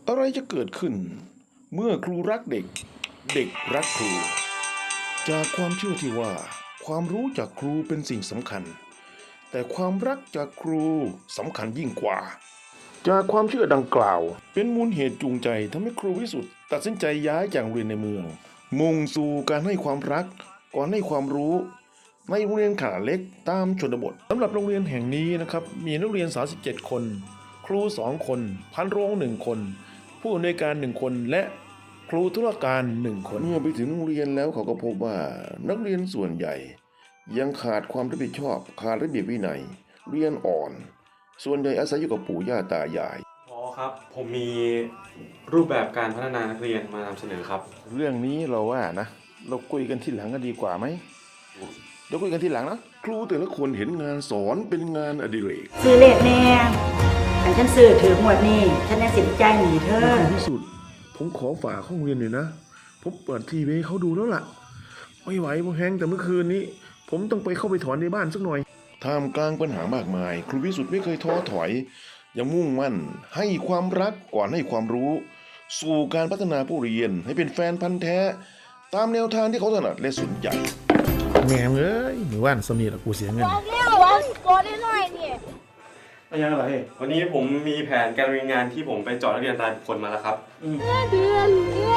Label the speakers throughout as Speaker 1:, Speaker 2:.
Speaker 1: อะไรจะเกิดขึ้นเมื่อครูรักเด็กเด็กรักครูจากความเชื่อที่ว่าความรู้จากครูเป็นสิ่งสำคัญแต่ความรักจากครูสำคัญยิ่งกว่าจากความเชื่อดังกล่าวเป็นมูลเหตุจูงใจทำให้ครูวิสุทธ์ตัดสินใจย้ายจากโรงเรียนในเมืองมุ่งสู่การให้ความรักก่อนให้ความรู้ในโรงเรียนขนาดเล็กตามชนบทสำหรับโรงเรียนแห่งนี้นะครับมีนักเรียน37คนครู2คนพันโรง1คนผู้อำนวยการ1คนและครูธุรการ1คนเมื่อไปถึงโรงเรียนแล้วเขาก็พบว่านักเรียนส่วนใหญ่ยังขาดความรับผิดชอบขาดระเบียบวินัยเรียนอ่อนส่วนใหญ่อาศัยอยู่กับปู่ย่าตายาย
Speaker 2: พอครับผมมีรูปแบบการพัฒนานักเรียนมานำเสนอครับ
Speaker 1: เรื่องนี้เราว่านะเราคุยกันทีหลังกันดีกว่าไหมเดี๋ยวคุยกันทีหลังนะครูแต่ละคนเห็นงานสอนเป็นงานอดิเรก
Speaker 3: ซื้อเลขแน่อันฉันซื้อถือหมวดนี่ฉันยังสินใจหนีเธอ
Speaker 1: ที่สุดผมขอฝากห้องเรียนหน่อยนะผมเปิดทีวีให้เขาดูแล้วล่ะไม่ไหวผมแห้งแต่เมื่อคืนนี้ผมต้องไปเข้าไปถอนในบ้านสักหน่อยท่ามกลางปัญหามากมายครูวิสุทธ์ไม่เคยท้อถอยยังมุ่งมั่นให้ความรักก่อนให้ความรู้สู่การพัฒนาผู้เรียนให้เป็นแฟนพันธุ์แท้ตามแนวทางที่เขาถนัดและสนใจแง่เอ้ยหมู่บ้านสมีละกูเสียเงิน
Speaker 4: บอกแล้วว่าโกรธได้หน่อยเนี่ย
Speaker 1: อะไร
Speaker 2: วันนี้ผมมีแผนการเรียนงานที่ผมไปเจาะนักเรียนรายบุคคลมาแล้วครับ
Speaker 4: เดือน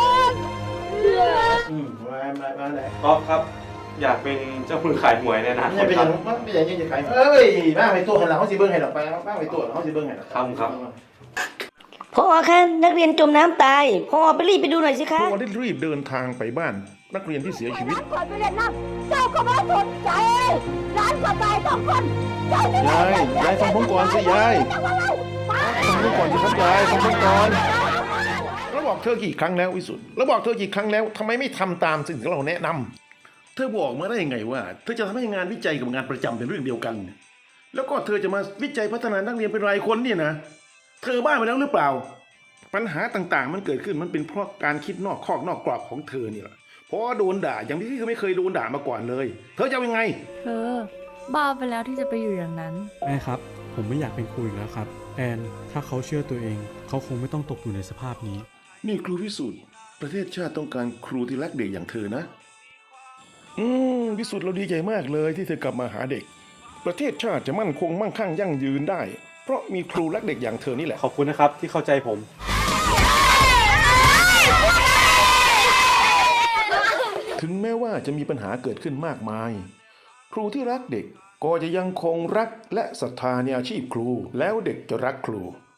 Speaker 1: มาไหน
Speaker 2: ก๊อฟครับอยากเป็นเจ้ามือขายหวยในอนาคตครับ
Speaker 1: ไม่ใช่ยังจะขายเอ้ยบ้าไปตัวหันหลังเขาสิเบิ้งให้หรอกไปบ้าไปตัวเขาสิเบิ้งให้หรอก
Speaker 2: ครับ
Speaker 3: พ่อคะนักเรียนจมน้ำตายพ่อไปรีบไปดูหน่อยสิคะ
Speaker 1: พ่อได้รีบเดินทางไปบ้านนักเรียนที่เสียชีวิต
Speaker 4: ร้านก่อนไปเรียนน้ำเจ้าก็มาสนใจร้านก็ตาย2คนย
Speaker 1: ายฟังผมก่อนสิยายฟังผมก่อนสิครับยายฟังผมก่อนเราบอกเธอกี่ครั้งแล้ววิสุทธ์เราบอกเธอกี่ครั้งแล้วทำไมไม่ทำตามสิ่งที่เราแนะนำเธอบอกมาได้ยังไงว่าเธอจะทำให้งานวิจัยกับงานประจำเป็นเรื่องเดียวกันแล้วก็เธอจะมาวิจัยพัฒนานักเรียนเป็นรายคนเนี่ยนะเธอบ้าไปแล้วหรือเปล่าปัญหาต่างๆมันเกิดขึ้นมันเป็นเพราะการคิดนอกคอกนอกกรอบของเธอนี่แหละเพราะโดนด่าอย่างที่เธอไม่เคยโดนด่ามาก่อนเลยเธอจะยังไง
Speaker 5: เธอบ้าไปแล้วที่จะไปอยู่อย่างนั้น
Speaker 6: แม่ครับผมไม่อยากเป็นครูอีกแล้วครับแอนถ้าเขาเชื่อตัวเองเขาคงไม่ต้องตกอยู่ในสภาพนี้
Speaker 1: นี่ครูวิสุทธ์ประเทศชาติต้องการครูที่รักเด็กอย่างเธอนะวิสุทธ์เราดีใจมากเลยที่เธอกลับมาหาเด็กประเทศชาติจะมั่นคงมั่งคั่งยั่งยืนได้เพราะมีครูรักเด็กอย่างเธอนี่แหละ
Speaker 2: ขอบคุณนะครับที่เข้าใจผม
Speaker 1: ถึงแม้ว่าจะมีปัญหาเกิดขึ้นมากมายครูที่รักเด็กก็จะยังคงรักและศรัทธาในอาชีพครูแล้วเด็กจะรักครู